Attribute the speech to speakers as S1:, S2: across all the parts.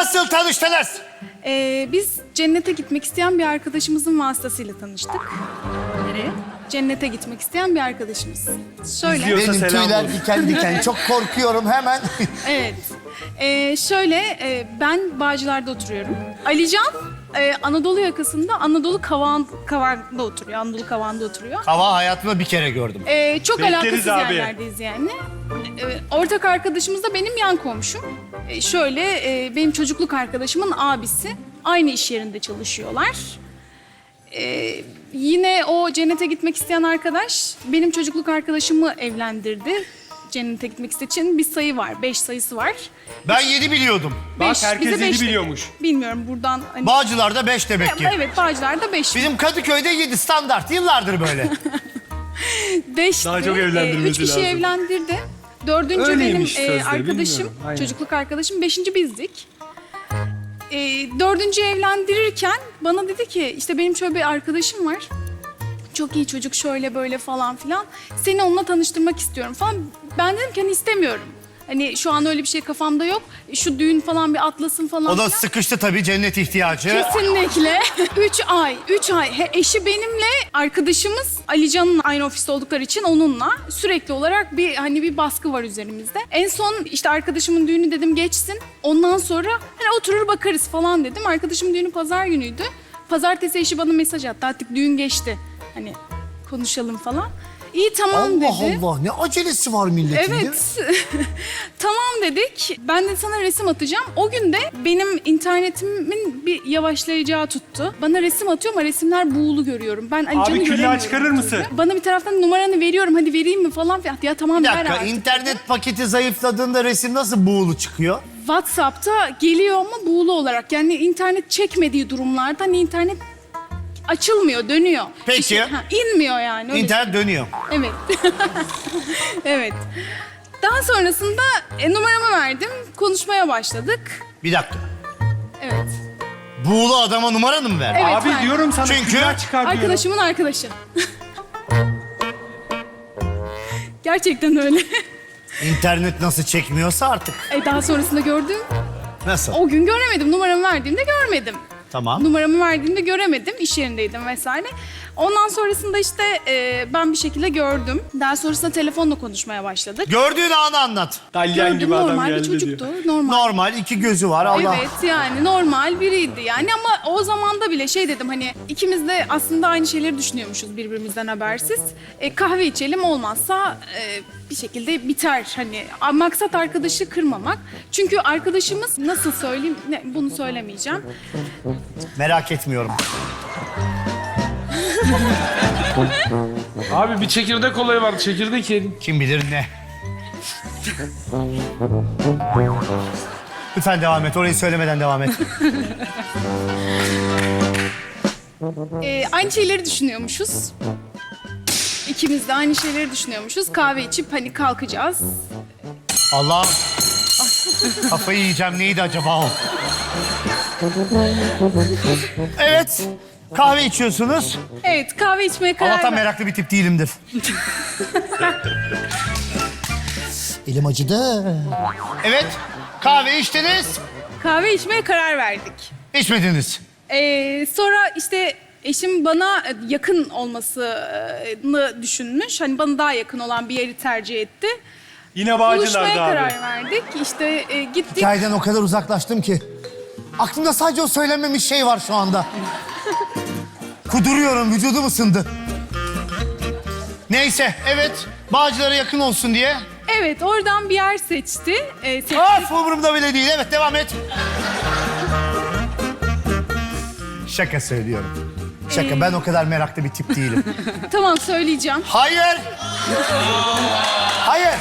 S1: Nasıl tanıştınız?
S2: Biz cennete gitmek isteyen bir arkadaşımızın vasıtasıyla tanıştık. Nereye? Cennete gitmek isteyen bir arkadaşımız. Şöyle.
S3: İzliyor.
S1: Benim
S3: selam
S1: tüyler
S3: olsun.
S1: diken diken. Çok korkuyorum hemen.
S2: Evet. Ben Bağcılar'da oturuyorum. Alican Anadolu yakasında Anadolu Kavağı'nda oturuyor. Anadolu Kavağı'nda oturuyor.
S1: Hava hayatımda bir kere gördüm.
S2: Çok
S3: Bekleriz
S2: alakasız
S3: abi.
S2: yerlerdeyiz yani. Ortak arkadaşımız da benim yan komşum. Benim çocukluk arkadaşımın abisi. Aynı iş yerinde çalışıyorlar. Yine o cennete gitmek isteyen arkadaş benim çocukluk arkadaşımı evlendirdi. Cennete gitmek istediği için bir sayı var. 5 sayısı var.
S1: Ben 7 biliyordum.
S3: Bak,
S2: Beş,
S3: herkes
S2: bize
S3: yedi
S2: beş dedi.
S3: biliyormuş.
S2: Bilmiyorum buradan. Hani...
S1: Bağcılar'da 5 demek ki.
S2: Evet, Bağcılar'da 5.
S1: Bizim Kadıköy'de 7 standart. Yıllardır böyle.
S2: 5.
S3: Daha çok evlendirmesi
S2: 3 kişi
S3: lazım.
S2: evlendirdi. 4. benim
S3: Öyleymiş sözde,
S2: arkadaşım,
S3: bilmiyorum. Aynen.
S2: çocukluk arkadaşım. 5. bizdik. 4. evlendirirken bana dedi ki işte benim şöyle bir arkadaşım var. Çok iyi çocuk şöyle böyle falan filan. Seni onunla tanıştırmak istiyorum falan. Ben dedim ki hani istemiyorum. Hani şu an öyle bir şey kafamda yok. Şu düğün falan bir atlasın falan
S1: O da
S2: filan.
S1: sıkıştı tabii cennet ihtiyacı.
S2: Kesinlikle. 3 ay. Eşi benimle, arkadaşımız Alican'ın aynı ofiste oldukları için onunla sürekli olarak bir baskı var üzerimizde. En son işte arkadaşımın düğünü dedim geçsin. Ondan sonra hani oturur bakarız falan dedim. Arkadaşımın düğünü pazar günüydü. Pazartesi eşi bana mesaj attı. Artık düğün geçti. Hani konuşalım falan. İyi tamam dedi.
S1: Allah Allah ne acelesi var milletin değil mi?
S2: Evet. Tamam dedik. Ben de sana resim atacağım. O gün de benim internetimin bir yavaşlayacağı tuttu. Bana resim atıyor ama resimler buğulu görüyorum. Ben Alican'ı
S3: Abi küllağı
S2: göremiyorum.
S3: çıkarır mısın?
S2: Bana bir taraftan numaranı veriyorum. Hadi vereyim mi falan. Ya tamam
S1: Bir
S2: ver
S1: dakika
S2: artık.
S1: internet paketi zayıfladığında resim nasıl buğulu çıkıyor?
S2: WhatsApp'ta geliyor ama buğulu olarak. Yani internet çekmediği durumlarda hani internet açılmıyor, dönüyor.
S1: Peki.
S2: İnmiyor yani. öyle
S1: İnternet dönüyor.
S2: Evet. Evet. Daha sonrasında numaramı verdim. Konuşmaya başladık.
S1: Bir dakika.
S2: Evet.
S1: Buğulu adama numaranı mı verdin?
S2: Evet,
S3: Abi
S2: verdim.
S3: diyorum sana
S1: Çünkü
S3: külah çıkar diyorum.
S2: Arkadaşımın arkadaşı. Gerçekten öyle.
S1: İnternet nasıl çekmiyorsa artık.
S2: Daha sonrasında gördüm.
S1: Nasıl?
S2: O gün göremedim. Numaramı verdiğimde görmedim.
S1: Tamam.
S2: Numaramı verdiğimde göremedim. İş yerindeydim vesaire. Ondan sonrasında işte ben bir şekilde gördüm. Daha sonrasında telefonla konuşmaya başladık.
S1: Gördüğün anı anlat.
S3: Dalyan
S2: Gördüm,
S3: gibi adam
S2: normal bir
S3: geldi
S2: çocuktu.
S3: diyor.
S2: Normal.
S1: Normal 2 gözü var Allah.
S2: Evet yani normal biriydi yani ama o zamanda bile şey dedim hani ikimiz de aslında aynı şeyleri düşünüyormuşuz birbirimizden habersiz. Kahve içelim olmazsa bir şekilde biter hani maksat arkadaşı kırmamak. Çünkü arkadaşımız nasıl söyleyeyim bunu söylemeyeceğim.
S1: Merak etmiyorum.
S4: Abi bir çekirdek olayı vardı. Çekirdek yedim.
S1: Kim bilir ne. Lütfen devam et. Orayı söylemeden devam et.
S2: Aynı şeyleri düşünüyormuşuz. İkimiz de aynı şeyleri düşünüyormuşuz. Kahve içip hani kalkacağız.
S1: Allah. Kafayı yiyeceğim. Neydi acaba o? Evet. Kahve içiyorsunuz.
S2: Evet kahve içmeye karar
S1: Allah'tan
S2: verdik.
S1: meraklı bir tip değilimdir. Elim acıdı. Evet. Kahve içtiniz.
S2: Kahve içmeye karar verdik.
S1: İçmediniz.
S2: Sonra işte eşim bana yakın olmasını düşünmüş. Hani bana daha yakın olan bir yeri tercih etti.
S3: Yine
S2: Buluşmaya
S3: Bağcılar'da abi.
S2: karar verdik. İşte gittik.
S1: Hikayeden o kadar uzaklaştım ki. Aklımda sadece o söylenmemiş şey var şu anda. Kuduruyorum, vücudum ısındı. Neyse, evet. Bağcılar'a yakın olsun diye.
S2: Evet, oradan bir yer seçti. Seçtik.
S1: Of, umurumda bile değil. Evet, devam et. Şaka söylüyorum. Şaka, ben o kadar meraklı bir tip değilim.
S2: Tamam, söyleyeceğim.
S1: Hayır! Hayır!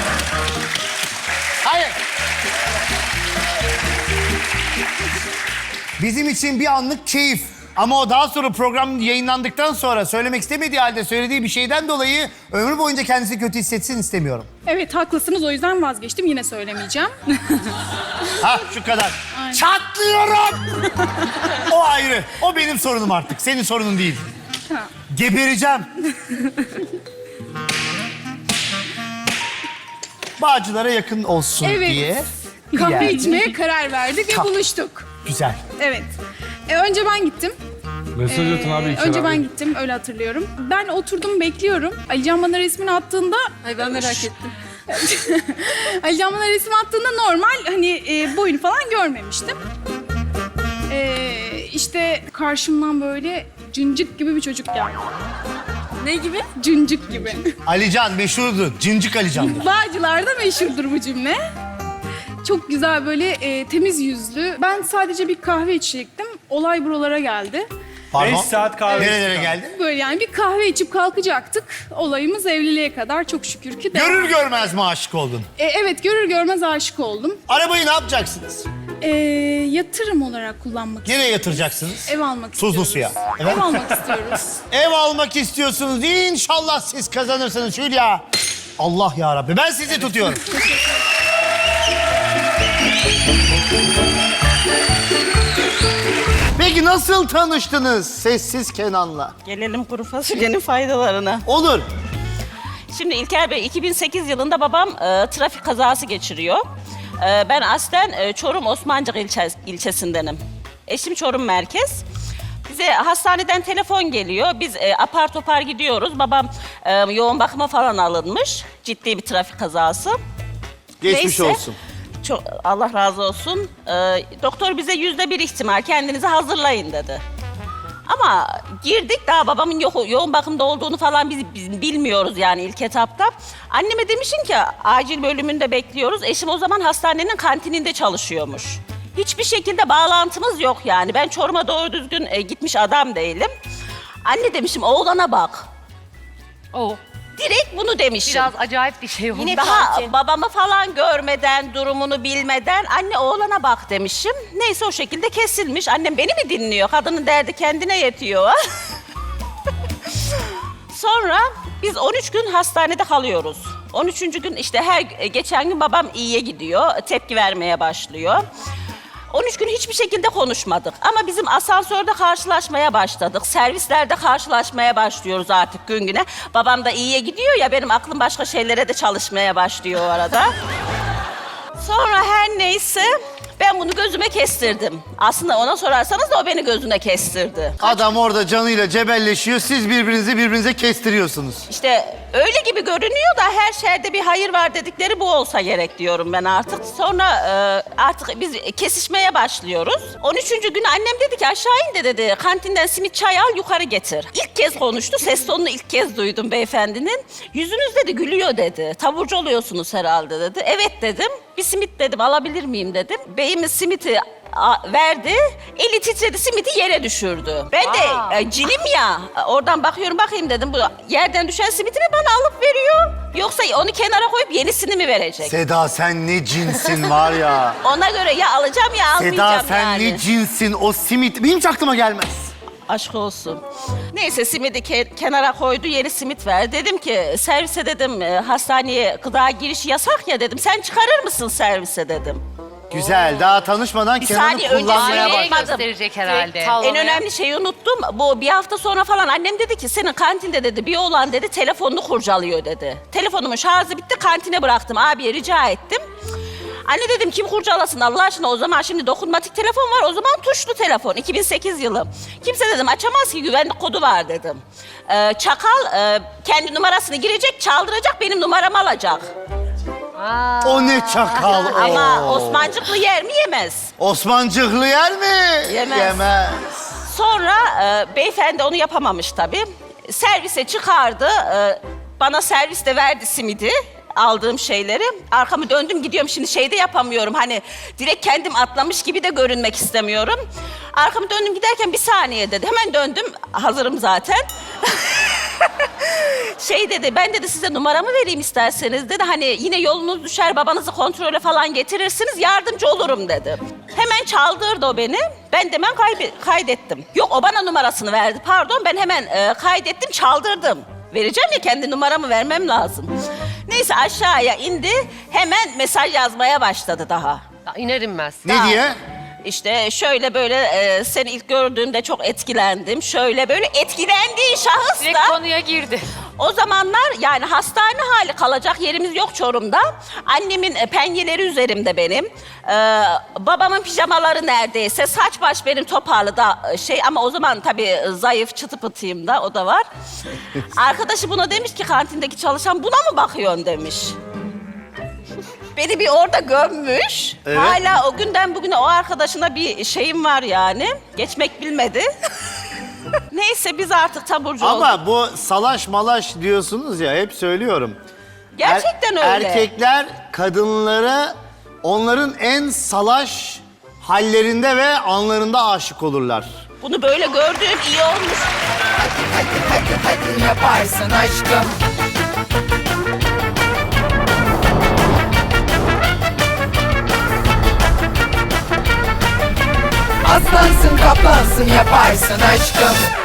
S1: Hayır! Bizim için bir anlık keyif. Ama o daha sonra program yayınlandıktan sonra söylemek istemediği halde söylediği bir şeyden dolayı ömrü boyunca kendisi kötü hissetsin istemiyorum.
S2: Evet, haklısınız. O yüzden vazgeçtim. Yine söylemeyeceğim.
S1: Ha şu kadar.
S2: Aynen.
S1: Çatlıyorum! O ayrı. O benim sorunum artık. Senin sorunun değil.
S2: Ha.
S1: Gebereceğim. Bağcılar'a yakın olsun
S2: Evet.
S1: diye.
S2: Kahve
S1: Yani.
S2: içmeye karar verdik ve buluştuk.
S1: Güzel.
S2: Evet. Önce ben gittim.
S4: Mesaj atın abi iki
S2: Önce
S4: abi.
S2: ben gittim, öyle hatırlıyorum. Ben oturdum, bekliyorum. Alican bana resmini attığında...
S3: Ay ben merak ettim.
S2: Alican bana resmi attığında normal, hani boyunu falan görmemiştim. İşte karşımdan böyle cıncık gibi bir çocuk geldi.
S3: Ne gibi?
S2: Cıncık gibi.
S1: Alican meşhurdu. Cincik Alican.
S2: Bağcılar'da meşhurdur bu cümle. Çok güzel böyle temiz yüzlü. Ben sadece bir kahve içecektim. Olay buralara geldi.
S1: 5
S5: saat kahve
S1: Nerelere
S5: içtik.
S1: geldi?
S2: Böyle yani bir kahve içip kalkacaktık. Olayımız evliliğe kadar çok şükür ki devam.
S1: Görür görmez mi aşık oldun?
S2: Evet, görür görmez aşık oldum.
S1: Arabayı ne yapacaksınız?
S2: Yatırım olarak kullanmak istiyorum.
S1: Nereye yatıracaksınız?
S2: Ev almak istiyoruz.
S1: Tuzlu suya. Evet.
S2: Ev almak istiyoruz.
S1: Ev almak istiyorsunuz. İnşallah siz kazanırsınız Hülya. Allah ya Rabbi. Ben sizi tutuyorum. Peki nasıl tanıştınız Sessiz Kenan'la?
S6: Gelelim kuru fasulyenin faydalarına.
S1: Olur.
S6: Şimdi İlker Bey, 2008 yılında babam trafik kazası geçiriyor. Ben aslen Çorum Osmancık ilçesindenim. Eşim Çorum merkez. Bize hastaneden telefon geliyor. Biz apar topar gidiyoruz. Babam yoğun bakıma falan alınmış. Ciddi bir trafik kazası.
S1: Geçmiş
S6: Neyse.
S1: olsun.
S6: Çok, Allah razı olsun. Doktor bize %1 ihtimal kendinizi hazırlayın dedi. Ama girdik, daha babamın yoğun bakımda olduğunu falan biz bilmiyoruz yani ilk etapta. Anneme demişim ki acil bölümünde bekliyoruz. Eşim o zaman hastanenin kantininde çalışıyormuş. Hiçbir şekilde bağlantımız yok yani. Ben Çorum'a doğru düzgün gitmiş adam değilim. Anne demişim, oğlana bak.
S3: O.
S6: Direkt bunu demişim.
S3: Biraz acayip bir şey oldu.
S6: Daha babamı falan görmeden, durumunu bilmeden anne oğlana bak demişim. Neyse o şekilde kesilmiş. Annem beni mi dinliyor? Kadının derdi kendine yetiyor. Sonra biz 13 gün hastanede kalıyoruz. 13. gün işte her geçen gün babam iyiye gidiyor. Tepki vermeye başlıyor. 13 gün hiçbir şekilde konuşmadık. Ama bizim asansörde karşılaşmaya başladık. Servislerde karşılaşmaya başlıyoruz artık gün güne. Babam da iyiye gidiyor ya, benim aklım başka şeylere de çalışmaya başlıyor o arada. Sonra her neyse ben bunu gözüme kestirdim. Aslında ona sorarsanız da o beni gözüne kestirdi.
S1: Adam orada canıyla cebelleşiyor. Siz birbirinize kestiriyorsunuz.
S6: İşte öyle gibi görünüyor da her şerde bir hayır var dedikleri bu olsa gerek diyorum ben artık. Sonra artık biz kesişmeye başlıyoruz. 13. gün annem dedi ki aşağı in de dedi. Kantinden simit çay al yukarı getir. İlk kez konuştu. Ses tonunu ilk kez duydum beyefendinin. Yüzünüz dedi gülüyor dedi. Taburcu oluyorsunuz herhalde dedi. Evet dedim. Bir simit dedim alabilir miyim dedim. Beyimiz simiti verdi. Eli titredi, simiti yere düşürdü. Ben de cinim ya. Oradan bakayım dedim. Bu yerden düşen simiti mi bana alıp veriyor? Yoksa onu kenara koyup yenisini mi verecek?
S1: Seda sen ne cinsin var ya.
S6: Ona göre ya alacağım ya almayacağım
S1: Seda sen
S6: yani.
S1: ne cinsin o simit. Benim hiç aklıma gelmez.
S6: Aşk olsun. Neyse simidi kenara koydu, yeni simit ver. Dedim ki servise dedim hastaneye gıda girişi yasak ya dedim. Sen çıkarır mısın servise dedim.
S1: Güzel. Daha tanışmadan
S6: Bir
S1: Kenan'ı
S6: saniye önce
S1: kullanmaya
S6: söyleyeyim.
S1: bak.
S3: gösterecek herhalde.
S6: En önemli şeyi unuttum. Bu bir hafta sonra falan annem dedi ki senin kantinde dedi bir oğlan dedi telefonunu kurcalıyor dedi. Telefonumun şarjı bitti, kantine bıraktım. Abiye rica ettim. Anne dedim kim kurcalasın Allah aşkına, o zaman şimdi dokunmatik telefon var, o zaman tuşlu telefon 2008 yılı. Kimse dedim açamaz ki, güvenlik kodu var dedim. Çakal kendi numarasını girecek, çaldıracak, benim numaramı alacak.
S1: O ne çakal o.
S6: Ama Osmancıklı yer mi yemez.
S1: Osmancıklı yer mi?
S6: Yemez.
S1: Yemez.
S6: Sonra beyefendi onu yapamamış tabii. Servise çıkardı. Bana serviste verdi simidi. Aldığım şeyleri. Arkamı döndüm gidiyorum. Şimdi şey de yapamıyorum. Hani direkt kendim atlamış gibi de görünmek istemiyorum. Arkamı döndüm giderken bir saniye dedi. Hemen döndüm. Hazırım zaten. Şey dedi, ben dedi size numaramı vereyim isterseniz dedi. Hani yine yolunuz düşer, babanızı kontrole falan getirirsiniz, yardımcı olurum dedi. Hemen çaldırdı o beni. Ben de hemen kaydettim. Yok, o bana numarasını verdi, pardon. Ben hemen kaydettim, çaldırdım. Vereceğim ya, kendi numaramı vermem lazım. Neyse aşağıya indi, hemen mesaj yazmaya başladı daha.
S3: İner inmez.
S1: Ne diye?
S6: İşte şöyle böyle seni ilk gördüğümde çok etkilendim. Şöyle böyle etkilendiği şahıs
S3: Direkt
S6: da
S3: konuya girdi.
S6: o zamanlar yani hastane hali kalacak yerimiz yok Çorum'da. Annemin penyeleri üzerimde benim. Babamın pijamaları neredeyse. Saç baş benim toparlı da ama o zaman tabii zayıf çıtı pıtıyım da o da var. Arkadaşı buna demiş ki kantindeki çalışan buna mı bakıyorsun demiş. Beni bir orada gömmüş.
S1: Evet.
S6: Hala o günden bugüne o arkadaşına bir şeyim var yani. Geçmek bilmedi. Neyse biz artık taburcu olduk.
S1: Ama bu salaş malaş diyorsunuz ya, hep söylüyorum.
S6: Gerçekten öyle.
S1: Erkekler kadınlara onların en salaş hallerinde ve anlarında aşık olurlar.
S6: Bunu böyle gördüğüm iyi olmuş.
S5: Hadi yaparsın aşkım. Aslansın kaplansın yaparsın aşkım.